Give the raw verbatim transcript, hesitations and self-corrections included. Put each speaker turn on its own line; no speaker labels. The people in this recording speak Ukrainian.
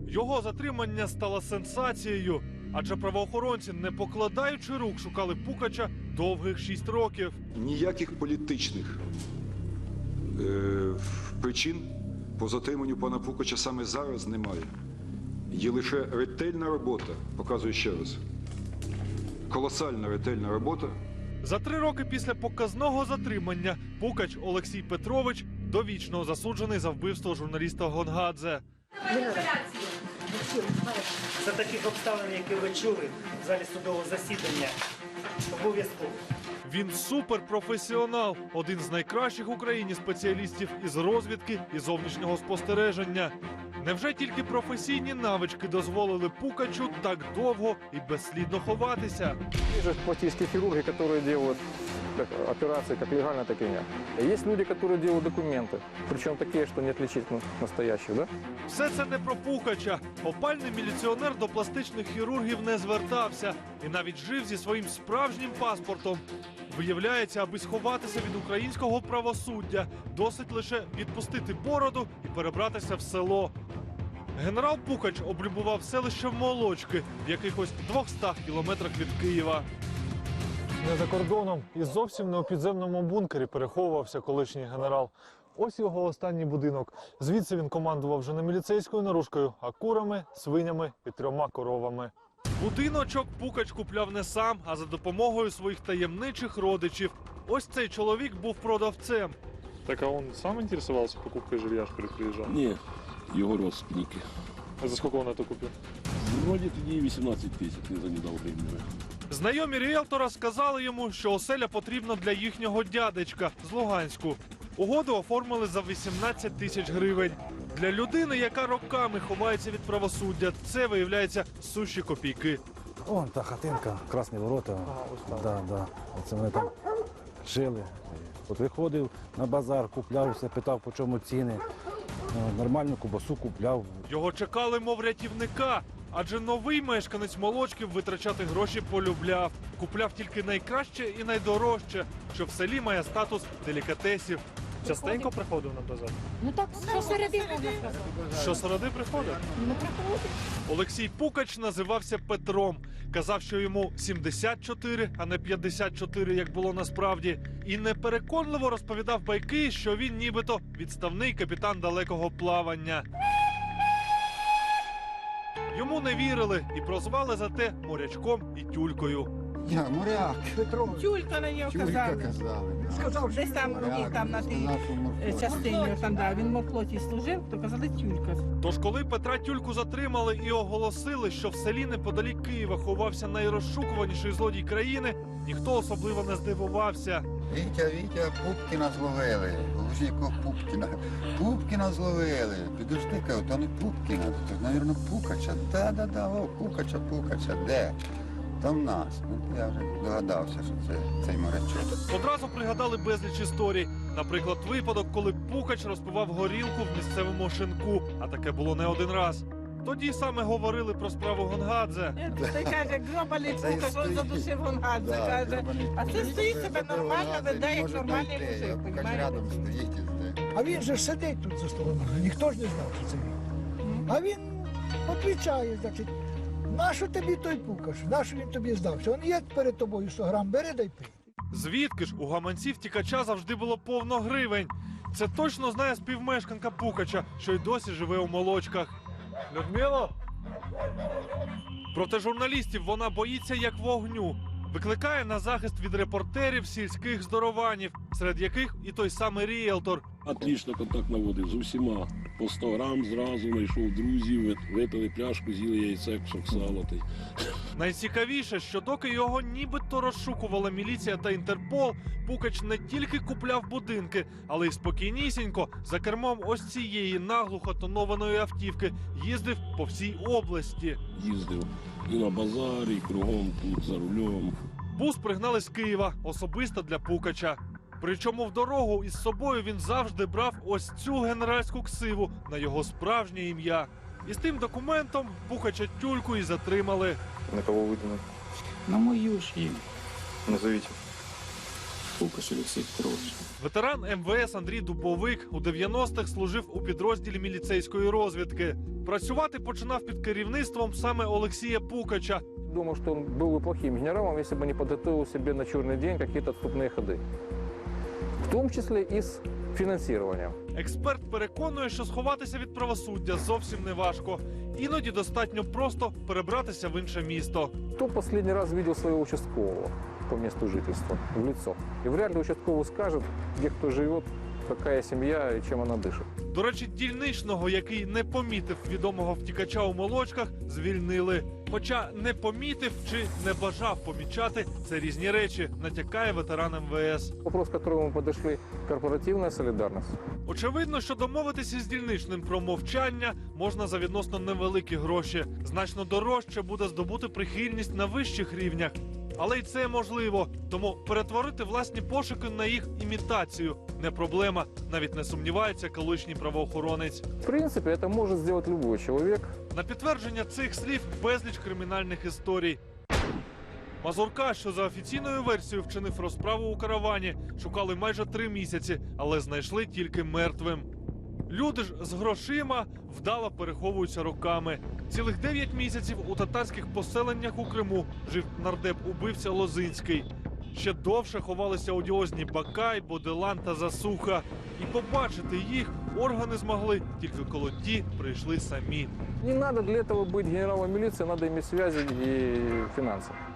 Його затримання стало сенсацією, адже правоохоронці, не покладаючи рук, шукали Пукача довгих шість років.
Ніяких політичних е, причин по затриманню пана Пукача саме зараз немає. Є лише ретельна робота, показую ще раз, колосальна ретельна робота.
За три роки після показного затримання Пукач Олексій Петрович довічно засуджений за вбивство журналіста Гонгадзе.
За таких обставин, які ви чули в залі судового засідання, обов'язково.
Він суперпрофесіонал, один з найкращих в Україні спеціалістів із розвідки і зовнішнього спостереження. Невже тільки професійні навички дозволили Пукачу так довго і безслідно ховатися?
Есть пластические хирурги, которые делают как операции как легально, так и нет. Есть люди, которые делают документы, причем такие, что не отличить ну, настоящих, да?
Все це не про Пукача. Опальний міліціонер до пластичних хірургів не звертався і навіть жив зі своїм справжнім паспортом. Виявляється, аби сховатися від українського правосуддя, досить лише відпустити бороду і перебратися в село. Генерал Пукач облюбував селище Молочки в якихось двохстах кілометрах від Києва. Не за кордоном і зовсім не у підземному бункері переховувався колишній генерал. Ось його останній будинок. Звідси він командував вже не міліцейською наружкою, а курами, свинями і трьома коровами. Будиночок Пукач купляв не сам, а за допомогою своїх таємничих родичів. Ось цей чоловік був продавцем.
Так, а он сам интересовался покупкой жилья, что ли, приезжал?
Ні, його родственники.
А за сколько он это купил?
Вроді тоді вісімнадцять тисяч, не занедав времени.
Знайомі ріелтора сказали йому, що оселя потрібна для їхнього дядечка з Луганську. Угоду оформили за вісімнадцять тисяч гривень. Для людини, яка роками ховається від правосуддя, це, виявляється, сущі копійки.
Вон та хатинка, Красні ворота. Да, да. Оце ми там жили. От виходив на базар, купляв все, питав, по чому ціни. Нормальну кубасу купляв.
Його чекали, мов рятівника, адже новий мешканець Молочків витрачати гроші полюбляв. Купляв тільки найкраще і найдорожче, що в селі має статус делікатесів.
Частенько приходив на базар?
Ну так, що середи можна сказати.
Що середи приходить?
Не приходить.
Олексій Пукач називався Петром. Казав, що йому сімдесят чотири, а не п'ятдесят чотири, як було насправді. І непереконливо розповідав байки, що він нібито відставний капітан далекого плавання. Йому не вірили і прозвали за те морячком і тюлькою.
Я моряк. Петро.
Тюлька на нього
Тюлька
казали.
казали. Да.
Сказав, десь там, моряк, там на тій частині, там, да, він в морфлоті служив, то казали тюлька.
Тож, коли Петра Тюльку затримали і оголосили, що в селі неподалік Києва ховався найрозшукуваніший злодій країни, ніхто особливо не здивувався.
Вітя, Вітя, Пупкіна зловили. Якого Пупкіна? Пупкіна зловили. Підожди, кажу, то не Пупкіна, то, мабуть, Пукача. Да-да-да, о, Пукача, Пукача, де? Там нас. Ну, я вже догадався, що це цей морячок.
Одразу пригадали безліч історій. Наприклад, випадок, коли Пукач розпивав горілку в місцевому шинку, а таке було не один раз. Тоді саме говорили про справу Гонгадзе.
Той каже, гробаний Пукач, він задушив Гонгадзе, каже. А це стоїть себе нормально, веде, як нормальний мужик, понімаєте?
Рядом стоїть і жде.
А він же ж сидить тут за столом, ніхто ж не знав, що це він. А він відповідає, значить, нащо тобі той Пукаш, нащо він тобі здався? Він є перед тобою сто грам, бери дай пий.
Звідки ж у гаманці втікача завжди було повно гривень? Це точно знає співмешканка Пукача, що й досі живе у Молочках. Людмило? Проти журналістів вона боїться як вогню. Викликає на захист від репортерів сільських здорованів, серед яких і той самий ріелтор.
Отлично контакт наводив з усіма. По сто грам зразу знайшов друзів, випили пляшку, з'їли яйце, кусок сала.
Найцікавіше, що доки його нібито розшукувала міліція та Інтерпол, Пукач не тільки купляв будинки, але й спокійнісінько за кермом ось цієї наглухо тонованої автівки їздив по всій області.
Їздив і на базарі, і кругом тут за рулем.
Бус пригнали з Києва особисто для Пукача. Причому в дорогу із собою він завжди брав ось цю генеральську ксиву на його справжнє ім'я. І з тим документом Пукача Тюльку і затримали.
На кого выдано?
На мою ж їм.
Назовите.
Пукач Олексій Петрович.
Ветеран ем ве ес Андрій Дубовик у дев'яностих служив у підрозділі міліцейської розвідки. Працювати починав під керівництвом саме Олексія Пукача.
Думаю, что он был бы плохим генералом, если бы не подготовил себе на черный день какие-то отступные ходы. В том числе и с финансированием.
Експерт переконує, що сховатися від правосуддя зовсім не важко. Іноді достатньо просто перебратися в інше місто.
Кто последний раз видел своего участкового по месту жительства в лицо? И вряд ли участковый скажет, где кто живет, какая семья и чем она дышит.
До речі, дільничного, який не помітив відомого втікача у молочках, звільнили. Хоча не помітив чи не бажав помічати – це різні речі, натякає ветеран ем ве ес.
Вопрос, к которому мы подошли – корпоративная солидарность.
Очевидно, що домовитися з дільничним про мовчання можна за відносно невеликі гроші. Значно дорожче буде здобути прихильність на вищих рівнях. Але й це можливо. Тому перетворити власні пошуки на їх імітацію – не проблема. Навіть не сумнівається колишній правоохоронець.
В принципе, это может сделать любой человек.
На підтвердження цих слів безліч кримінальних історій. Мазурка, що за офіційною версією вчинив розправу у каравані, шукали майже три місяці, але знайшли тільки мертвим. Люди ж з грошима вдало переховуються роками. Цілих дев'ять місяців у татарських поселеннях у Криму жив нардеп-убивця Лозинський. Ще довше ховалися одіозні Бакай, Боделан та Засуха. І побачити їх органи змогли, тільки коли ті прийшли самі.
Не надо для этого быть генералом милиции, надо иметь связи и финансы.